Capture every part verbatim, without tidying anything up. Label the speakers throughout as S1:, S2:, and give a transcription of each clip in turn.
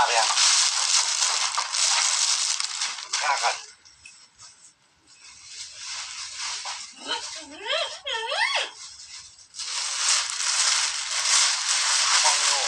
S1: ไปยังข้ากันมองอยู่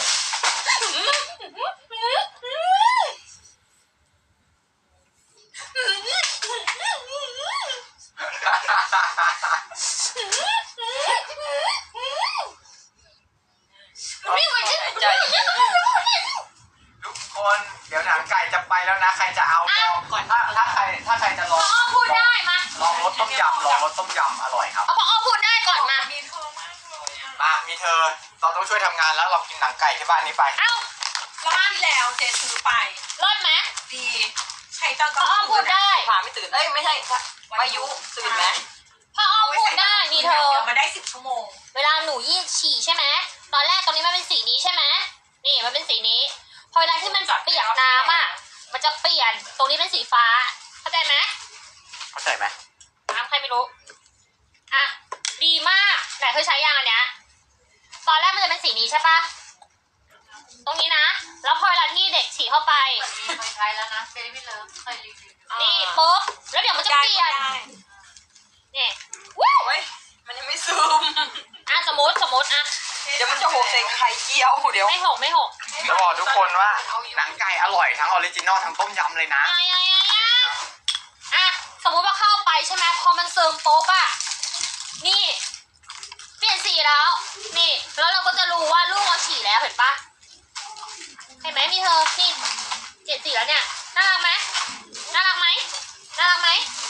S1: ทุกคนเดี๋ยวหนังไก่จะไปแล้วนะใครจะเอาก่อนถ้าถ้าใครถ้าใครจะลอง
S2: พูดได้มา
S1: ลองรสต้มยำลองรสต้มยำอร่อยครับ
S2: เอาพอพูดได้ก่อนมา
S3: มีเธอมากเลยอ่ะ
S1: มามีเธอเราต้องช่วยทำงานแล้วเรากินหนังไก่ที่บ้านนี้ไป
S2: เอ้าร
S3: อบที่แล้วเจซื้อไป
S2: รอดไหม
S3: ดีใช้ตอนกลาง
S2: คืนพูดได้
S4: ผ่าไม่ตื่นเอ้ยไม่ใช่วายุตื่นไหม
S2: พออ้อมพูดได้มีเธอ
S3: มาได้สิบชั่วโมง
S2: เวลาหนูยี่ฉี่ใช่ไหมตอนแรกตรงนี้มันเป็นสีนี้ใช่ไหมนี่มันเป็นสีนี้พอเวลาที่มันเปียกน้ำอ่ะมันจะเปลี่ยนตรงนี้เป็นสีฟ้าเข้าใจไหม
S1: เข้าใจไหม
S2: น้ำใครไม่รู้อ่ะดีมากแต่เธอใช้ยางอันเนี้ยตอนแรกมันจะเป็นสีนี้ใช่ปะตรงนี้นะแล้วพอเวลาที่เด็กฉี่เข้าไป
S3: เคยใช้แล้วนะเบบี้เลิฟเคยรีวิว
S2: นี่ปุ๊บแล้วเดี๋ยวมันจะเปลี่ยนนี่ว้าว
S4: มันยังไม่ซึม
S2: อ่ะสมมติสมมติอ่ะ
S4: เดี๋ยวมันจะหกใส่ไข่เจียวเดี๋ยว
S2: ไม่หกไม่หก
S1: จะบอกทุกคนว่าหนังไก่อร่อยทั้งออริจินอลทั้งต้มยำเลยนะ
S2: อ่ะอ่ะอ่ะอ่ะสมมติว่าเข้าไปใช่ไหมพอมันซึมปุ๊บอ่ะนี่เปลี่ยนสีแล้วนี่แล้วเราก็จะรู้ว่าลูกเราฉี่แล้วเห็นปะเห็นไหมมีเธอนี่เปลี่ยนสีแล้วเนี่ยน่ารักไหมน่ารักไหมน่ารักไหม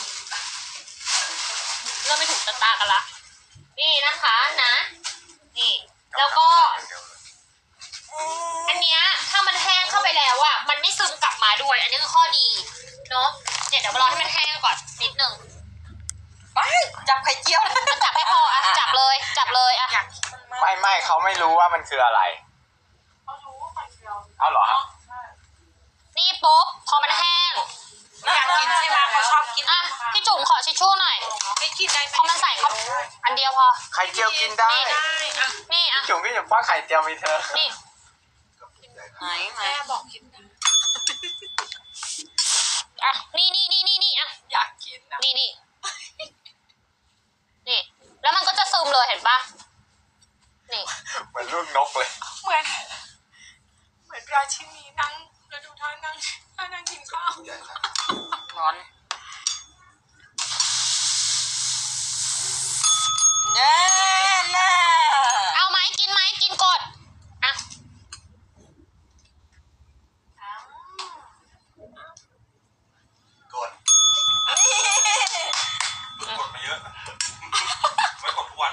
S2: เราไม่ถูกตาตากันละนี่นะคะนะนี่แล้วก็อันเนี้ยถ้ามันแห้งเข้าไปแล้วอ่ะมันไม่ซึมกลับมาด้วยอันนี้คือข้อดีเนาะเนี่ยเดี๋ยวรอให้มันแห้งก่อนนิดนึง
S4: ไม่จับไข่เจียว
S2: จับให้พออ่ะจับเลยจับเลยอ่ะ
S1: ไม่ไม่เขาไม่รู้ว่ามันคืออะไร
S3: เขารู้ว่าไข่เจียว
S1: เอาเหรอ
S2: นี่ปุ๊บพอมันแห้ง
S3: อยากกินใช่ไหมเขาชอบกิน
S2: อ่ะพี่จุ๋มขอชิชชู่หน่อย
S3: ไม่กินได้
S2: พอมันใส่เขาอันเดียวพอ
S1: ไข่เจียวกินได้
S2: นี่อ่ะ
S1: จุ๋มพี่จุ๋มว่าไข่เจียวมีเธอ
S2: นี่
S4: ไหนไหน
S3: แม่บอกกินได้
S2: อ่ะนี่นี่นี่นี่นี่อ่ะ
S3: อยากกินนะ
S2: นี่นี่นี่แล้วมันก็จะซึมเลยเห็นปะนี่
S1: เหมือนลูกนกเลย
S3: เหมือนเหมือนราชินีนั่งแล้วดูท่านั่งท่านั่งกินข้าว
S4: ร้อนเน่แน่
S2: เอาไหมกินไหมกินกดอ่ะ
S1: กดกดมาเยอะไม่กดทุกวัน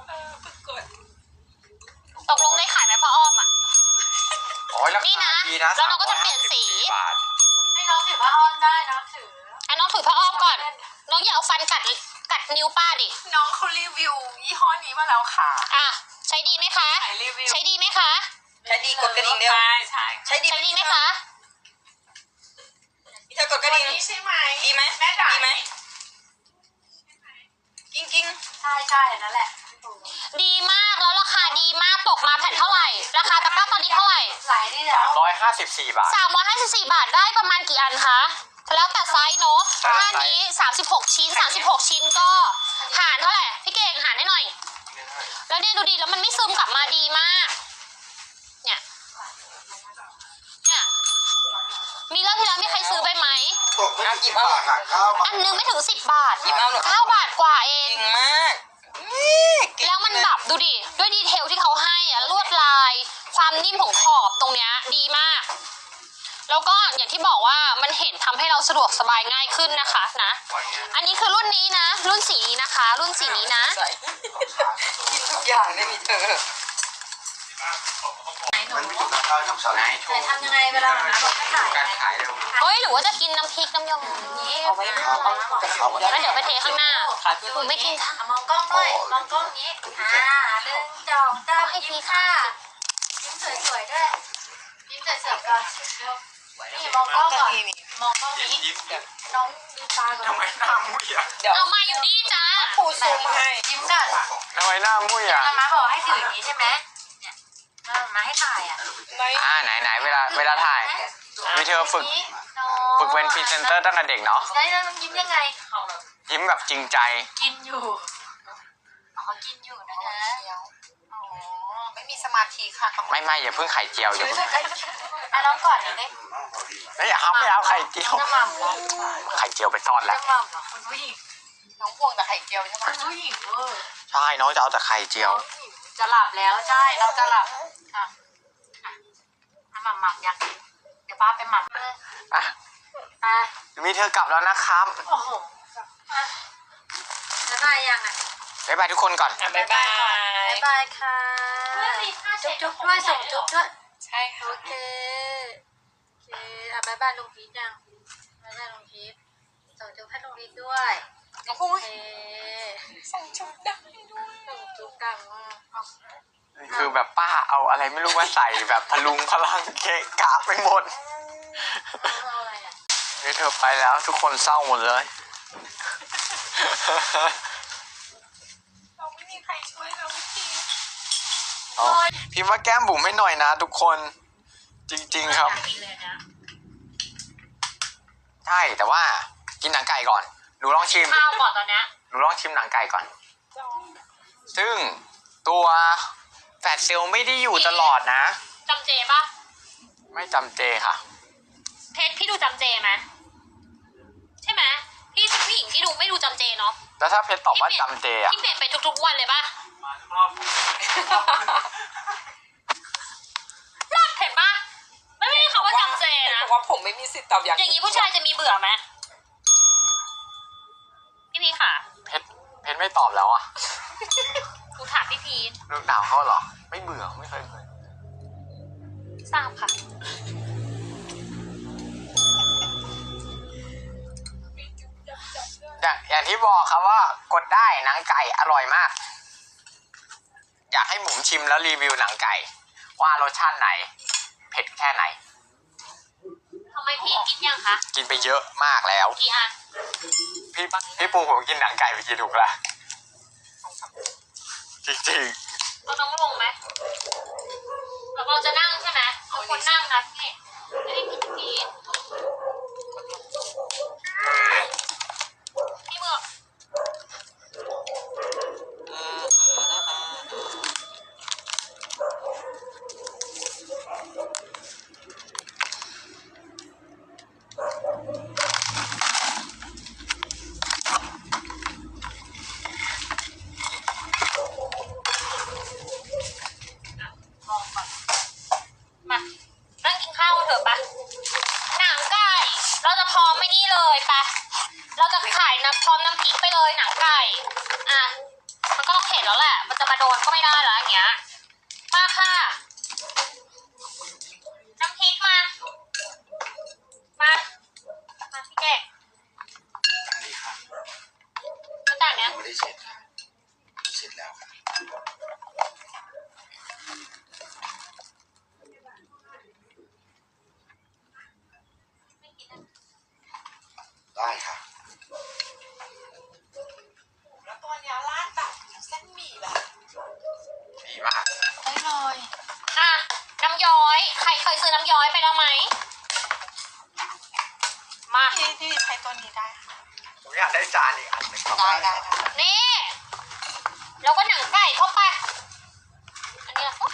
S2: ตกลงได้ขายไหมพ่ออ้อมอ่ะ
S1: นี่นะ
S2: แล้วเราก็จะเปลี่ยนสี
S3: ให้น้องถือผ้าอ้อมได้นะถือ
S2: ให้น้องถือผ้าอ้อมก่อนน้องอย่าเอาฟันกัดกัดนิ้วป้าดิ
S3: น้องเขารีวิวยี่ห้อนี้มาแล้วค่ะ
S2: อ่ะใช้ดีไหมคะใช้ดีไหมคะ
S4: ใช้ดีกดกระดิ่งเดียว
S3: ใช่ใช่
S4: ใช้ดี
S2: ใช้ดีไหมคะ
S4: พี่เธอกดกระดิ่ง
S3: ใช่ไหม
S4: ดีไหม
S3: แม่ด่า
S4: ดีไหมกิ้งกิ้ง
S3: ใช่ใช่นั่นแหละ
S2: ดีมากแล้วราคาดีมากตกมาแผ่นเท่าไหร่ราคาตะกร้าตอนนี้เท่าไหร่
S3: หลายนี่แล้ว
S1: ร้อยห้าสิบสี่บาท
S2: สามร้อยห้าสิบสี่บาทได้ประมาณกี่อันคะแล้วแต่ไซส์เนาะถ้านี้สามสิบหกชิ้นสามสิบหกชิ้นก็หารเท่าไหร่พี่เก่งหารให้หน่อยแล้วเนี่ยดูดีแล้วมันไม่ซึมกลับมาดีมากเนี่ยเนี่ยมีรอบที่แล้วมีใครซื้อไปไหมอันนึงไม่ถึงสิบบาทเก้าบาทกว่าเอง
S4: เก่งมาก
S2: แล้วมันแบบดูดิด้วยดีเทลที่เขาให้อะลวดลายความนิ่มของขอบตรงเนี้ยดีมากแล้วก็อย่างที่บอกว่ามันเห็นทำให้เราสะดวกสบายง่ายขึ้นนะคะนะอันนี้คือรุ่นนี้นะรุ่นสีนี้นะคะรุ่นสีนี้นะ
S4: กินทุกอย่างได้มีเธอ
S1: มันไม่ถูกนะข้าวทำสไลด์
S3: ทำยังไงเวลาเรา
S1: การขายเร็ว
S2: เอ้ยหรือว่าจะกินน้ำพริกน้ำยงนี้
S4: เอาไว้เอาไว้
S2: แล้วเดี๋ยวไปเทข้างหน้าคุณไม่กินค่ะ
S3: มองกล้องด้วยมองกล้องนี้อ่าหนึ่งสองสามให้ทีค่ะยิ้มสวยๆด้วยยิ้มสวยๆก่อนนี่มองกล้องก่อนมองกล้องนี้น้องดูตาก่อน
S1: ทำไมหน้ามุ้ยอ่ะ
S2: เอามาอยู่นี่จ้า
S4: ปูซูมให้
S3: ยิ้มก่อน
S1: ทำไมหน้ามุ้ยอ่ะ
S3: มาบอกให้ถืออย่างนี้ใช่ไหมเนี่ยมาให้ถ่ายอ่ะ
S1: อ่าไหนไหนเวลาเวลาถ่ายมีเธอฝึกฝึกเป็นพรีเซนเตอร์ตั้งแต่เด็กเนาะ
S3: ได้แล้วยิ้มยังไง
S1: ยิ้มแบบจริงใจ
S3: กินอยู่อ๋อกินอยู่นะคะอ๋อ
S4: ไม่มีสมาธิค่ะ
S1: ไม่ไม่อย่าเพิ่งไข่เจียวอย่าเพิ่ง
S3: อ่ะน้องก่อนหน่อยดิ
S1: ไม่อยากเอาไม่เอาไข่เจียว
S3: จะหม่ำเหรอ
S1: ไข่เจียวไปทอดแล้ว
S3: จะหม่ำเหรอคุณผู้หญิง
S4: น้องพวงแต่ไข่เจียวใช่ไหม
S3: คุณผู้หญิงเออ
S1: ใช่น้องจะเอาแต่ไข่เจียว
S3: จะหลับแล้วใช่เราจะหลับอ่ะอ่ะอ่ะหม่ำหม่ำอยากกินเดี๋ยวป้าไปหม่ำเลย
S1: อ่ะ
S3: อ่ะ
S1: มีเธอกลับแล้วนะครับ
S3: โอ้โหอ่ะบ๊ายบายยังอ่ะ
S1: บ๊ายบายทุกคนก่อน
S4: บ๊ายบาย
S3: บ๊ายบายค่ะจุ๊บจุ๊บด้วยส่งจุ๊บด้วย
S4: ใช่ค่ะ
S3: โอเคโอเคอ่ะบ๊ายบายลุงพีทยังบ๊ายบายลุงพีทส่งจุ๊บให้ลุงพีทด้วย
S4: น้องพ
S3: โอ
S4: วง
S3: เค
S4: ส่งชุดดังด้วย
S3: ส่งจุ๊บดังมากเอา
S1: คือแบบป้าเอาอะไรไม่รู้มาใส่แบบพลุงพลังเกะกะไปหมด
S3: เอาอะไรอ่ะ
S1: นี่เธอไปแล้วทุกคนเศร้าหมดเลย
S4: เราไม่มีใครช่วยเราพี่ที
S1: เอาพิมพ์ว่าแก้มบุ๋มให้หน่อยนะทุกคนจริงๆครับ
S3: อยากกินเลยนะ
S1: ใช่แต่ว่ากินหนังไก่ก่อนหนูลองชิม
S2: ข้าวก่อนตอนเนี้ย
S1: หนูลองชิมหนังไก่ก่อน ซึ่งตัวแฟตเซลล์ไม่ได้อยู่ตลอดนะ
S2: จำเจปะ
S1: ไม่จำเจค่ะ
S2: เพชรพี่ดูจำเจไหมใช่ไหมพี่เป็นผู้หญิงที่ดูไม่ดูจำเจเนาะ
S1: แล้วถ้าเพชรตอบว่าจำเจอะ
S2: พี่เปลี่ยนไปทุกๆวันเลยปะรอดเห็นปะไม่มีคำว่าจำเจนะ
S4: แต่ว่าผมไม่มีสิทธิ์ตอบอย่าง
S2: อย่างนี้ผู้ชายจะมีเบื่อไหมพี่พีค่ะ
S1: เพชรเพชรไม่ตอบแล้วอะ
S2: หนูถามพี่พีท
S1: ลูกดาวเขาเหรอ ไม่เบื่อไม่เคยเบื่อ
S2: ทราบค่ะ
S1: อย่างอย่างที่บอกครับว่ากดได้หนังไก่อร่อยมาก อยากให้หมุมชิมแล้วรีวิวหนังไก่ ว่ารสชาติไหน เผ็ดแค่ไหน
S2: ทำไมพีทกินยังคะ
S1: กินไปเยอะมากแล้ว
S2: กี่อัน
S1: พี่พี่ปูผมกินหนังไก่ไปกี่ถุงละจริง
S2: เราต้องลงไหมเราเราจะนั่งใช่ไหมเอาคนนั่งนะพี่ไม่ได้กินพีทพี่เมือก มองก่อนมานั่งกินข้าวกันเถอะปะหนังไก่ เราจะพร้อมไม่นี่เลยปะเราจะขายน้ำพร้อมน้ำพริกไปเลยหนังไก่ อ่ะ มันก็ต้องเผ็ดแล้วแหละ มันจะมาโดนก็ไม่ได้แล้วอย่างเงี้ย มาค่ะ น้ำพริกมา มา มาพี่เก่ง
S5: ดีค่ะ
S2: ก็แต่เนี้ย
S5: ไม่ได้เสร็จค่ะเสร็จแล้วค่ะได้ค่ะ
S4: แล้วตัวเนี้ยราดแบบเส้นหมี่แบบ
S1: ๆดีมาก
S4: ได้เลย
S2: อ่ะ น้ำย้อย ใครเคยซื้อน้ำย้อยไปแล้วไหม มา
S4: พี่พี่ใช้ตัวนี้ได้ค่ะ
S1: ผมอยากได้จานอีกอันหนึงครับ
S4: ได้ได้ค่ะ
S2: นี่ แล้วก็หนังไก่เข้าไป อันนี้ละ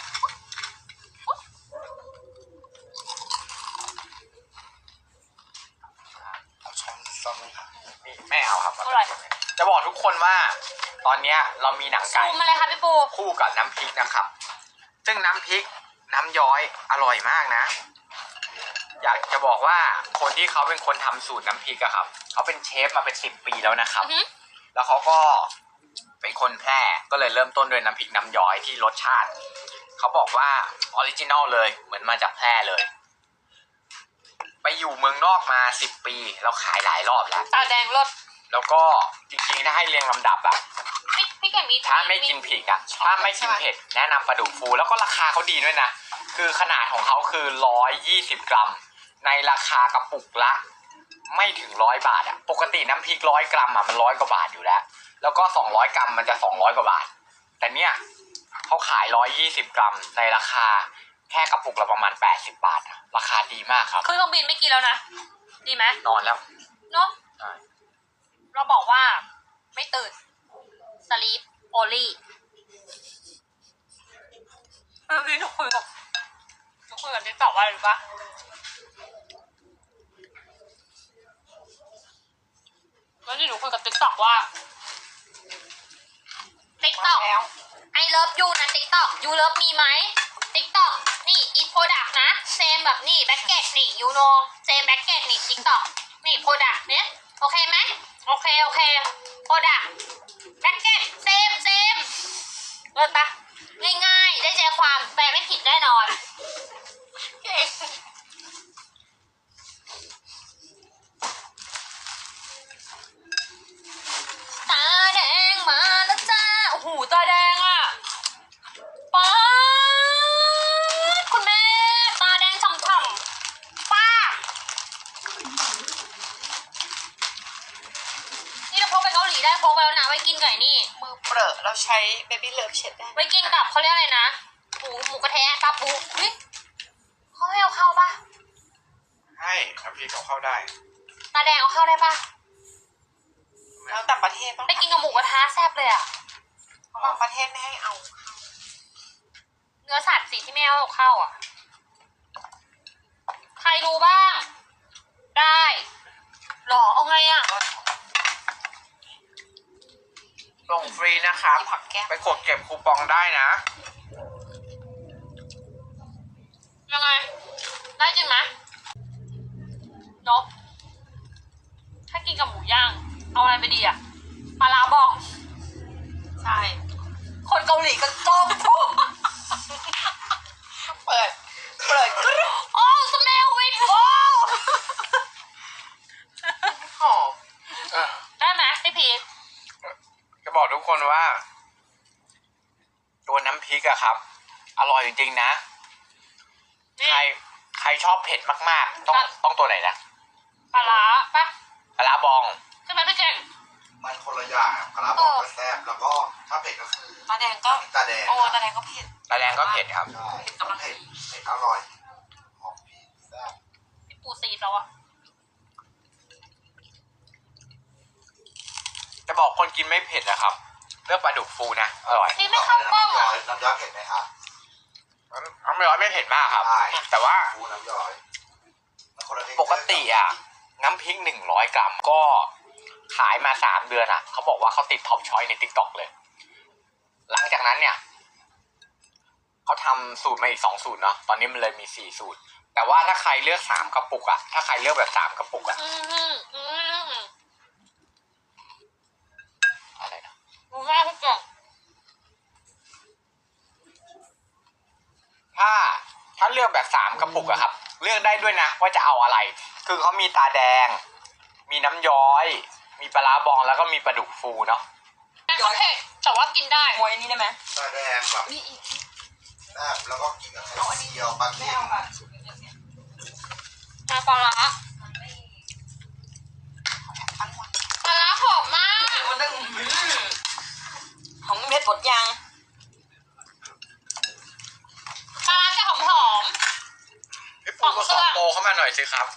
S5: เอาช้อนซ่อมไหมคะ
S1: นี่ไม่เอาครับ
S2: อร่อย
S1: จะบอกทุกคนว่า ตอนเนี้ยเรามีหนัง
S2: ซู
S1: ไก่
S2: มมาเลยค่ะพี่ปู
S1: คู่กับน้ำพริกนะครับ ซึ่งน้ำพริกน้ำย้อยอร่อยมากนะ อยากจะบอกว่าคนที่เขาเป็นคนทำสูตรน้ำพริกอะครับ เขาเป็นเชฟมาเป็นสิบปีแล้วนะครับ
S2: อือหือ
S1: แล้วเขาก็เป็นคนแพร่ก็เลยเริ่มต้นด้วยน้ำพริกน้ำย้อยที่รสชาติ เขาบอกว่าออริจินอลเลยเหมือนมาจากแพร่เลย ไปอยู่เมืองนอกมาสิบปีแล้วขายหลายรอบแล้ว
S2: ตาแดงรส
S1: แล้วก็จริงๆถ้าให้เรียงลำดับอะ
S2: พี่พี่แก่มี
S1: ถ้าไม่กินผิดอะถ้าไม่กินเผ็ดแนะนำปลาดุกฟูแล้วก็ราคาเขาดีด้วยนะ คือขนาดของเขาคือร้อยยี่สิบกรัม ในราคากระปุกละ ไม่ถึงร้อยบาทอะปกติน้ำพริกร้อยกรัมอะมันร้อยกว่าบาทอยู่แล้ว แล้วก็สองร้อยกรัมมันจะสองร้อยกว่าบาท แต่เนี้ยเขาขายร้อยยี่สิบกรัมในราคาแค่กระปุกละประมาณแปดสิบบาทอะราคาดีมากครับ
S2: ขึ้นเครื่องบินไม่กินแล้วนะ ดีไหม
S1: นอนแล้ว
S2: เนาะ
S1: ใช่
S2: เราบอกว่าไม่ตื่น sleep only เออพี่หนูคุยกับหนูคุยกับติ๊กต็อกว่าอะไรรู้ปะแล้วนี่หนูคุยกับติ๊กต็อกว่าติ๊กต็อกไอเลิฟยูนะติ๊กต็อกยูเลิฟมีไหมติ๊กต็อกนี่อีโปรดักนะเซมแบบนี่แบ็กเก็ตนี่ยูโนเซมแบ็กเก็ตนี่ติ๊กต็อกนี่โปรดักเนี่ยโอเคไหมโอเคโอเคโปรดักแบ็กเก็ตเซมเซมเลิศปะง่ายๆได้ใจความแปลไม่ผิดแน่นอนตาแดงมาแล้วจ้าโอ้โหตาแดงอ่ะป๊าดคุณแม่ตาแดงฉ่ำๆป้านี่เราพกไปเกาหลีได้พกไปแล้วนะไว้กินไก่นี่
S4: มือเปรอะเราใช้เบบี้เลิฟเช็ดได้
S2: ไว้กินกับเขาเรียกอะไรนะหมูหมูกระเทะปลาปูเฮ้ยเขาให้เอาเข้าปะ
S5: ให้น้ำพริกเขาเข้าได้
S2: ตาแดงเอาเข้าได้ปะ
S4: แล้วแต่ประเทศปะ
S2: ไปกินกับหมูกระทะแซ่บเลยอ่ะ
S4: บางประเทศไม่ให้เอา
S2: เนื้อสัตว์สิที่ไม่เอาเข้าอ่ะ ใครรู้บ้าง ได้หรอเอาไงอ่ะ
S1: ส่งฟรีนะครับ
S4: ผักแก้ม
S1: ไปกดเก็บคูปองได้นะ
S2: ยังไง ได้จริงไหมเนาะถ้ากินกับหมูย่าง เอาอะไรไปดีอ่ะปลาร้าบอง
S4: ใช่
S2: คนเกาหลีก็จ้องทุก
S4: เปิด เปิดกรุ๊ป
S2: โอ้สเมลวิทโอ้
S4: หอม
S2: ได้ไหมพี่พีท
S1: จะบอกทุกคนว่า ตัวน้ำพริกอะครับ อร่อยจริงๆนะ
S2: นี่
S1: ใครใครชอบเผ็ดมากๆ ต้อง
S2: อ่ะ
S1: ต้องตัวไหนนะ
S2: ปลาร้าปะ
S1: ปลาร้าบอง
S2: ใช่ไหมพี่เก่ง
S5: มันคนละอย่างอะปลาร้าบอกก็แซ่บแล้วก็ถ้าเผ็ดก็คือ
S4: ตาแดงก็
S5: ตาแดง
S4: โอ้ตาแดงก็เผ็ด
S1: ปลาแดงก็เผ็ดครับ
S5: ใช่เผ็ดเผ็ดอร่อยหอมพริกแซ่บ
S2: พี่ปูซีดแล้วอะ
S1: จะบอกคนกินไม่เผ็ดนะครับ เลือกปลาดุกฟูนะ อร่อย
S2: พี่ไม่เข้ากล้องอะ
S5: น้ำย้อยเผ็ดไหมครับ
S1: น้ำร้อยไม่เผ็ดมากครับ
S5: ใช่
S1: แต่ว่า
S5: ฟูน้ำย้อยมันคนละเทคเจ
S1: ป
S5: อร์
S1: กติอ่ะ น้ำพริกหนึ่งร้อยกรัมก็ขายมาสามเดือนอ่ะ เขาบอกว่าเขาติดท็อปช้อยในติ๊กต็อกเลย หลังจากนั้นเนี่ย เขาทำสูตรมาอีกสองสูตรเนาะ ตอนนี้มันเลยมีสี่สูตร แต่ว่าถ้าใครเลือกสามกระปุกอ่ะ ถ้าใครเลือกแบบสามกระปุกอ่ะ
S2: อืมอืมอืม
S1: อะไรนะ
S2: ดูแม่พี่เก่ง
S1: ถ้าถ้าเลือกแบบสามกระปุกอะครับ เลือกได้ด้วยนะว่าจะเอาอะไร คือเขามีตาแดง มีน้ำย้อย มีปลาร้าบองแล้วก็มีปลาดุกฟูเนาะ
S2: โอเคแต่ว่ากินได้
S4: มวยอันนี้ได้ไหม
S5: ตาแดงแบบ
S4: นี่อีก
S5: แซ่บแล้วก็กินกับไข่เจียวปลา
S4: ไม่
S5: เค็ม
S4: เอาอ่ะ
S2: มาปลาร้า
S4: ทั้งวัน
S2: ปลาร้าหอมมาก
S4: มันดึงของเม็ดบดยาง
S2: ปลาร้าจะหอมหอม
S1: พี่ปูก็ขอโปรเข้ามาหน่อยสิครับ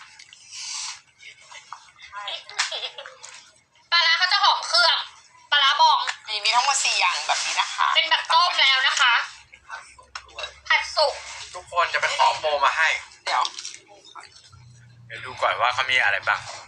S2: ปลาร้าเขาจะหอมเครื่องปลาร้าบอง
S4: มีมีทั้งหมดสี่อย่างแบบนี้นะคะ
S2: เป็นแบบต้มแล้วนะคะ ผัดสุก
S1: ทุกคนจะไปขอโปรมาให้
S4: เดี๋ยว
S1: เดี๋ยวดูก่อนว่าเขามีอะไรบ้าง
S4: เ